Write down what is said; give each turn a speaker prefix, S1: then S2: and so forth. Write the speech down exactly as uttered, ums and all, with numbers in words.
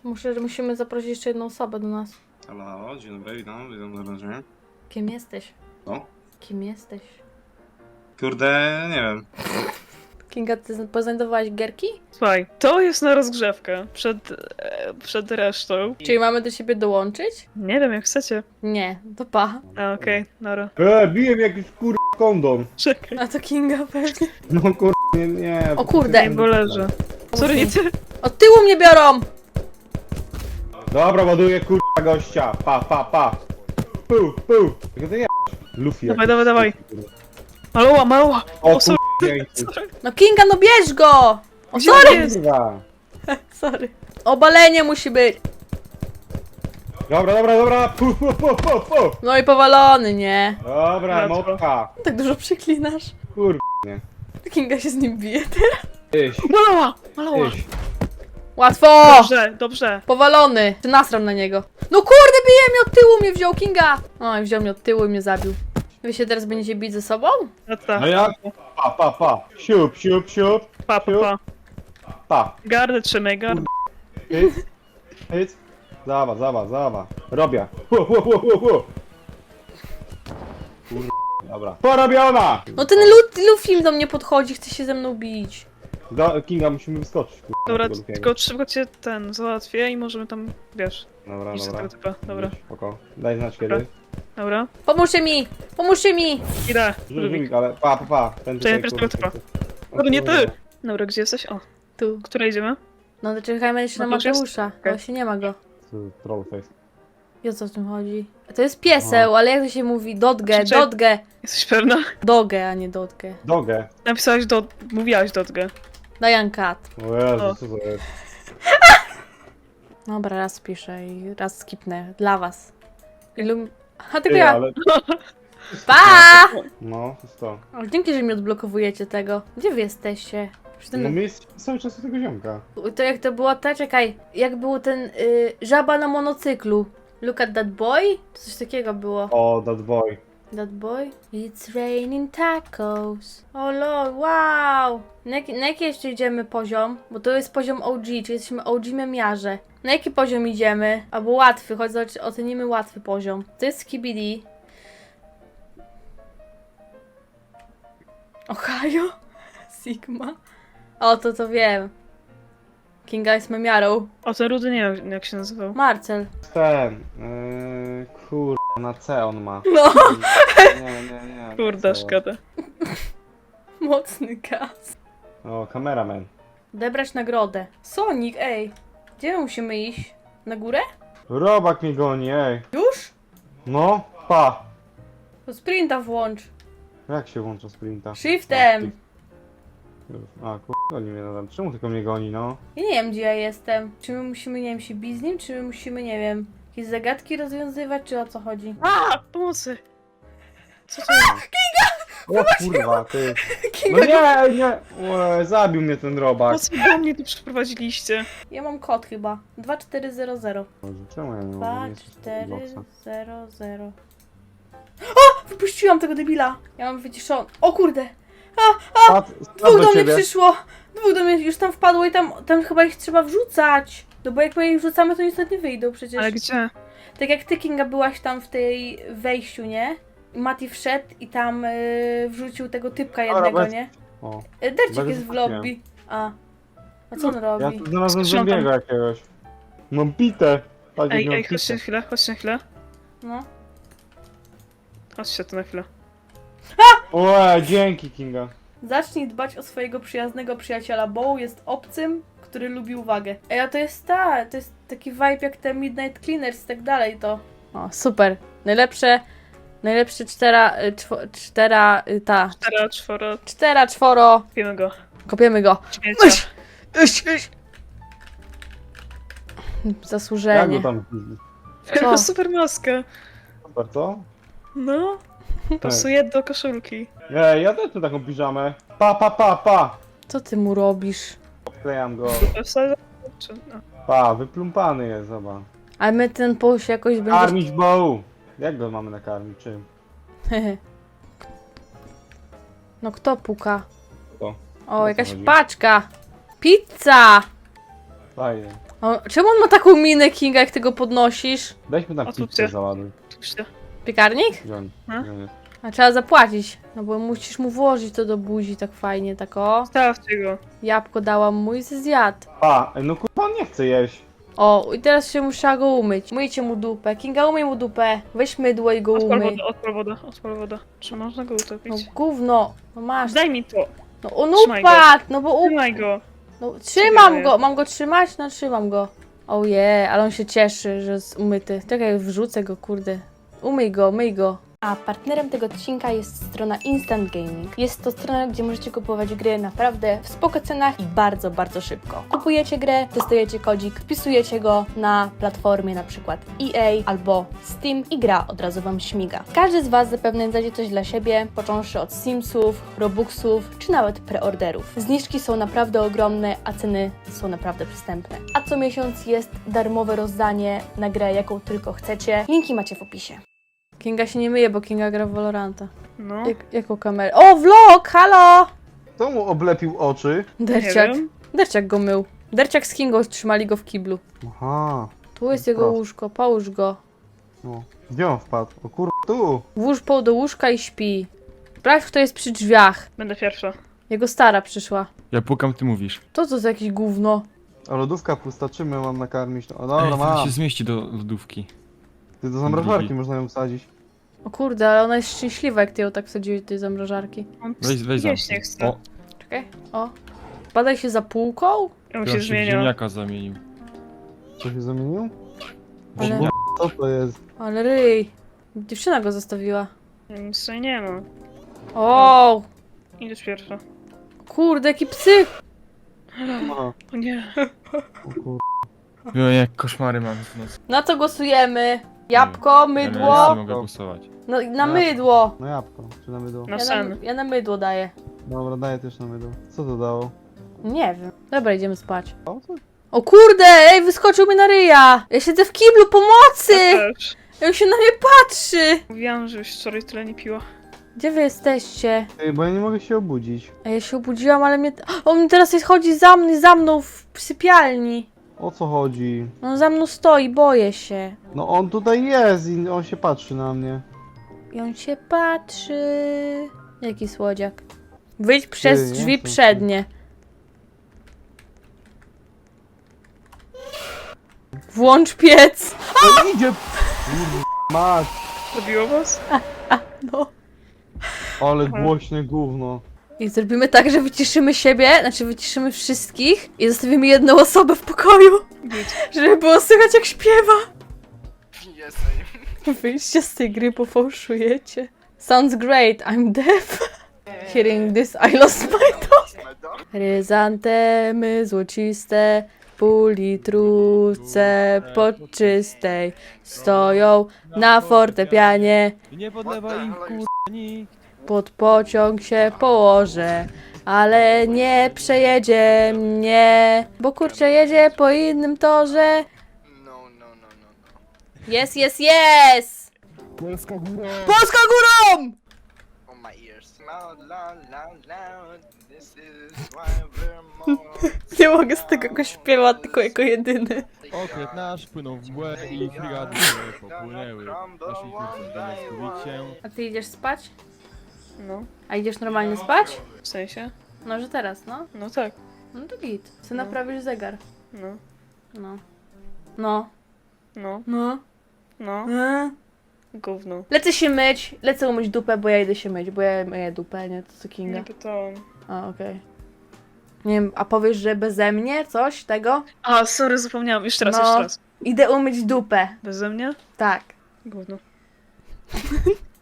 S1: Muszę, musimy zaprosić jeszcze jedną osobę do nas.
S2: Halo, halo, dzień dobry, witam, witam serdecznie.
S1: Kim jesteś?
S2: No?
S1: Kim jesteś?
S2: Kurde, nie wiem.
S1: Kinga, ty poznajdowałeś gierki?
S3: Słuchaj, to jest na rozgrzewkę przed, e, przed resztą.
S1: Czyli mamy do siebie dołączyć?
S3: Nie wiem, jak chcecie.
S1: Nie, to pa.
S3: A, okej, okay, nara.
S4: E, bije mi jakiś kur... kondom.
S3: Czekaj,
S1: A to Kinga pewnie.
S4: No kur... nie, nie.
S1: O kurde.
S3: bo leży. Sorry, nie ty.
S1: Od tyłu mnie biorą!
S4: Dobra, ładuję kur... gościa. Pa, pa, pa. Pu, pu. Jak to ja? Luffy.
S3: Dawaj,
S4: jakiś.
S3: dawaj, dawaj. Maloła, maloła!
S4: O
S3: O, sorry,
S4: kur... dzięki.
S3: sorry.
S1: No Kinga, no bierz go! O,
S3: Gdzie
S1: sorry!
S3: on jest?
S4: Kurwa.
S1: Sorry. Obalenie musi być.
S4: Dobra, dobra, dobra. Pu, pu, pu, pu, pu.
S1: No i powalony, nie?
S4: Dobra,
S3: Dobra.
S4: motka.
S1: Tak dużo przyklinasz.
S4: Kur...
S1: Kinga się z nim bije teraz.
S4: Iś,
S3: Maloła, maloła.
S4: iś.
S1: Łatwo!
S3: Dobrze, dobrze.
S1: Powalony. Czy nasram na niego? No kurde, bije mnie od tyłu, mnie wziął Kinga. Oj, wziął mnie od tyłu i mnie zabił. Wy się teraz będziecie bić ze sobą?
S3: No tak.
S4: No jak? Pa, pa, pa. Siup, siup, siup.
S3: Pa, pa, pa.
S4: Pa.
S3: Gardę trzymaj, gardę.
S4: Hyc. Hyc. Zawa, zawa, zawa. Robię. Hu, hu, hu, hu, hu. Kur... Dobra. Porobiona!
S1: No ten Lu- Luffy do mnie podchodzi, chce się ze mną bić.
S4: Do Kinga musimy wyskoczyć. Kur...
S3: Dobra,
S4: tego Luffy'ego.
S3: tylko szybko cię ten załatwię i możemy tam, wiesz,
S4: Dobra,
S3: iść do
S4: dobra.
S3: tego typa. Dobra,
S4: Spoko. Daj znać
S3: Dobra.
S4: kiedy.
S3: dobra.
S1: Pomóżcie mi! Pomóżcie mi!
S3: Idę.
S4: Rzuć
S3: Rubik.
S4: Rubik, ale pa, pa, pa. Ten
S3: Czekaj,
S4: tutaj,
S3: najpierw
S4: kurde,
S3: tego
S4: o
S3: Dobra, nie ty!
S4: kurde.
S3: Dobra, gdzie jesteś? O,
S1: Tu.
S3: która idziemy?
S1: No to czekajmy jeszcze
S3: No
S1: na
S3: to już jest?
S1: Mateusza.
S3: Okej.
S1: Właśnie nie ma go.
S4: Tu, Trollface.
S1: I o co w tym chodzi? To jest pieseł, ale jak to się mówi? Dotge,
S3: Krzyczę.
S1: dotge.
S3: Jesteś pewna?
S1: Dogę, a nie dotge.
S4: Dogę.
S3: Napisałaś do... mówiłaś dotgę.
S1: Diane Cat.
S4: O Jezu,
S3: O.
S4: co to jest?
S1: Dobra, raz piszę i raz skipnę. Dla was. Ilum... A tylko
S4: Ty,
S1: ja.
S4: ale...
S1: Pa!
S4: No, to jest to.
S1: O, dzięki, że mi odblokowujecie tego. Gdzie wy jesteście? Przy
S4: No
S1: tym...
S4: my jest cały czas u tego ziomka.
S1: To jak to było, ta czekaj. Jak był ten y, żaba na monocyklu. Look at that boy? Coś takiego było.
S4: O, that boy.
S1: That boy? It's raining tacos. O lol, wow! Na jaki, na jaki jeszcze idziemy poziom? Bo to jest poziom O G, czyli jesteśmy O G memiarze. Na jaki poziom idziemy? Albo łatwy, choć zobaczy- ocenimy łatwy poziom. To jest Skibidi. Ohio? Sigma? O, to to wiem. Kinga jest memiarą.
S3: O, ten rudy nie wiem, jak się nazywał.
S1: Marcel.
S4: Ten, yy, kur... na C on ma.
S1: No,
S4: Nie, nie, nie.
S3: Kurde,
S4: Co?
S3: szkoda.
S1: mocny gaz.
S4: O, kameraman.
S1: Odebrać nagrodę. Sonic, ej. Gdzie my musimy iść? Na górę?
S4: Robak mnie goni, ej.
S1: Już?
S4: No, pa.
S1: To sprinta włącz.
S4: Jak się włącza sprinta?
S1: Shiftem.
S4: A, kur... goni mnie nadal. Czemu tylko mnie goni, no?
S1: Ja nie wiem, gdzie ja jestem. Czy my musimy, nie wiem, się bić z nim, czy my musimy, nie wiem, jakieś zagadki rozwiązywać, czy o co chodzi?
S3: A, pomocy! Co to jest?
S4: O kurwa, ty. No
S1: Kinga,
S4: nie, nie. Ue, zabił mnie ten robak.
S3: Po co do mnie tu przyprowadziliście?
S1: ja mam kod chyba. dwa cztery zero zero.
S4: Boże, czemu ja nie mogę
S1: dwa
S4: mieć
S1: cztery
S4: boxa?
S1: zero zero. O! Wypuściłam tego debila! Ja mam wyciszony. O kurde!
S4: Spadł, spadł
S1: Dwóch do mnie
S4: ciebie.
S1: przyszło! Dwóch do mnie już tam wpadło i tam, tam chyba ich trzeba wrzucać. No bo jak my ich wrzucamy, to nic nie wyjdą przecież.
S3: Ale gdzie?
S1: Tak jak ty, Kinga, byłaś tam w tej wejściu, nie? I Mati wszedł i tam yy, wrzucił tego typka
S4: Dobra,
S1: jednego,
S4: bez-
S1: nie?
S4: O,
S1: Yy, Dercik
S4: bez
S1: jest w
S4: wypuściłem.
S1: lobby. A. A co on
S4: ja
S1: robi?
S4: tu znalazłem
S3: Skrzynką.
S4: zombiego jakiegoś. Mam pitę. Patrz, jak
S3: Ej,
S4: mam
S3: ej,
S4: pitę.
S3: chodźcie na chwilę, chodźcie na chwilę.
S1: No.
S3: Chodźcie tu na chwilę.
S4: Ue, dzięki Kinga.
S1: Zacznij dbać o swojego przyjaznego przyjaciela, bo jest obcym, który lubi uwagę. Ej, a to jest ta, to jest taki vibe jak te Midnight Cleaners i tak dalej, to... O, super. Najlepsze, najlepsze cztera, y, czwo, cztera, y, ta,
S3: Cztera, czworo,
S1: cztera, czworo.
S3: wiemy go.
S1: Kopiemy go.
S3: Śmiecia.
S1: Iś, iś, iś.
S4: Jak
S1: Zasłużenie.
S4: go tam...
S1: Co?
S3: Super maskę.
S4: Super, co?
S3: No. Pasuje do koszulki.
S4: Ej, ja też tu taką piżamę. Pa, pa, pa, pa.
S1: Co ty mu robisz?
S4: Wklejam go.
S3: Wsadzę- czy- no.
S4: Pa, wyplumpany jest, zobacz.
S1: Ale my ten poś jakoś będzie...
S4: Karmić boł. Jak go mamy nakarmić? Czym?
S1: No kto puka?
S4: Kto?
S1: O,
S4: co
S1: jakaś
S4: chodzi?
S1: paczka! Pizza!
S4: Fajnie.
S1: O, czemu on ma taką minę, Kinga, jak ty go podnosisz?
S4: Weźmy na
S3: O, tu
S4: pizzę
S3: cię.
S4: załaduj.
S3: Puśćcie.
S1: Piekarnik?
S4: Gdzie on?
S3: A?
S4: Gdzie on jest?
S1: A trzeba zapłacić, no bo musisz mu włożyć to do buzi tak fajnie, tak o.
S3: Stawcie go.
S1: Jabłko dałam mu i ze zjadł.
S4: A, ej, no kurwa on nie chce jeść.
S1: O, i teraz się muszę go umyć. Myjcie mu dupę. Kinga, umyj mu dupę. Weź mydło i go
S3: Odpal
S1: umyj.
S3: wodę, odpal wodę, odpal wodę. Czy można go utopić?
S1: No gówno. No masz.
S3: Daj mi to.
S1: No on
S3: Trzymaj go.
S1: upadł, no bo upadł.
S3: Trzymaj go.
S1: No, trzymam
S3: Trzymaj.
S1: go. Mam go trzymać? No trzymam go. Ojej, ale on się cieszy, że jest umyty. Czekaj, wrzucę go, kurde. Umyj go, myj go. A partnerem tego odcinka jest strona Instant Gaming. Jest to strona, gdzie możecie kupować gry naprawdę w spoko cenach i bardzo, bardzo szybko. Kupujecie grę, testujecie kodzik, wpisujecie go na platformie na przykład E A albo Steam i gra od razu Wam śmiga. Każdy z Was zapewne znajdzie coś dla siebie, począwszy od Simsów, Robuxów czy nawet preorderów. Zniżki są naprawdę ogromne, a ceny są naprawdę przystępne. A co miesiąc jest darmowe rozdanie na grę, jaką tylko chcecie. Linki macie w opisie. Kinga się nie myje, bo Kinga gra w Valoranta.
S3: No.
S1: Jak, jaką kamerę? O, vlog! Halo!
S4: Kto mu oblepił oczy?
S3: Nie
S1: Derciak.
S3: wiem.
S1: Derciak go mył. Derciak z Kingą trzymali go w kiblu.
S4: Aha.
S1: Tu jest
S4: No
S1: jego
S4: proszę.
S1: łóżko, połóż go.
S4: No. Gdzie on wpadł? O kurwa, tu.
S1: Włóż poł do łóżka i śpi. Sprawdź, kto jest przy drzwiach.
S3: Będę pierwsza.
S1: Jego stara przyszła.
S5: Ja pukam, ty mówisz.
S1: To co za jakieś gówno?
S4: A lodówka pusta, czym ją mam nakarmić? No
S5: Ej,
S4: dobra,
S5: to
S4: mam.
S5: się zmieści do lodówki.
S4: Ty do zamrażarki można ją wsadzić.
S1: O kurde, ale ona jest szczęśliwa, jak ty ją tak wsadziłeś do tej zamrażarki.
S3: On
S5: Weź, weź
S3: jeść
S5: zamknij.
S3: nie chce.
S5: O,
S1: Czekaj, o. Badaj się za półką?
S3: On
S5: ja
S3: się
S5: się w
S3: zmienia.
S5: ziemniaka zamienił.
S4: Co się zamienił?
S1: Ale,
S4: Nie, co to jest?
S1: ale ryj. Dziewczyna go zostawiła.
S3: Nic tutaj nie ma.
S1: O,
S3: Idziesz pierwsza.
S1: kurde, jaki psy.
S4: Aha,
S3: O nie.
S4: o kur...
S5: Jo, jak koszmary mam w nocy.
S1: Na co głosujemy? Jabłko,
S5: Ja nie
S1: mydło?
S5: mogę głosować.
S1: No, na mydło.
S4: No jabłko, czy na mydło?
S3: Na
S1: Ja na,
S3: sen.
S1: ja na mydło daję.
S4: Dobra, daję też na mydło. Co to dało?
S1: Nie wiem. Dobra, idziemy spać.
S4: O co?
S1: O kurde, ej, wyskoczył mi na ryja. Ja siedzę w kiblu, pomocy!
S3: Ja też.
S1: Jak się na mnie patrzy.
S3: Mówiłam, że już wczoraj tyle nie piła.
S1: Gdzie wy jesteście?
S4: Ej, bo ja nie mogę się obudzić.
S1: A ja się obudziłam, ale mnie... On mi teraz jest, chodzi za mną, za mną w sypialni.
S4: O co chodzi?
S1: On za mną stoi, boję się.
S4: No on tutaj jest i on się patrzy na mnie.
S1: I on się patrzy. Jaki słodziak. Wyjdź przez
S4: nie
S1: drzwi
S4: chcę.
S1: przednie. Włącz piec.
S4: No idzie! Kurwa, Mać!
S3: Zabiło was?
S1: No.
S4: Ale głośne gówno.
S1: I zrobimy tak, że wyciszymy siebie, znaczy wyciszymy wszystkich i zostawimy jedną osobę w pokoju,
S3: Git.
S1: żeby było słychać jak śpiewa. Wyjdźcie z tej gry, bo fałszujecie. Sounds great, I'm deaf. Hearing this, I lost my dog. Ryzantemy złociste, pół litrówce podczystej stoją na fortepianie.
S5: Nie podlewa im kur... nikt.
S1: Pod pociąg się położę, ale nie przejedzie mnie, bo kurczę jedzie po innym torze.
S6: No, no, no, no, no.
S1: Jest, jest, jest!
S5: Polska góra!
S1: Polska górą!
S6: On my ears. Loud, loud, loud, loud. This is why we're more.
S1: Nie mogę z tego go śpiewać, tylko jako jedyny.
S5: Okręt nasz płynął w mgłę i frigady się popłynęły. Naszych kurców zamiast skupić się.
S1: A ty idziesz spać?
S3: No.
S1: A idziesz normalnie spać?
S3: W sensie?
S1: No, że teraz, no.
S3: No tak.
S1: No to git. Co
S3: No.
S1: naprawisz zegar.
S3: No.
S1: No. No.
S3: No.
S1: No.
S3: No.
S1: no.
S3: Gówno.
S1: Lecę się myć, lecę umyć dupę, bo ja idę się myć, bo ja myję dupę, nie? To co Kinga.
S3: Nie pytałam.
S1: A, okej. Nie wiem, a powiesz, że beze mnie coś tego?
S3: A, sorry, zapomniałam. Jeszcze raz,
S1: No.
S3: jeszcze raz.
S1: Idę umyć dupę.
S3: Beze mnie?
S1: Tak.
S3: Gówno.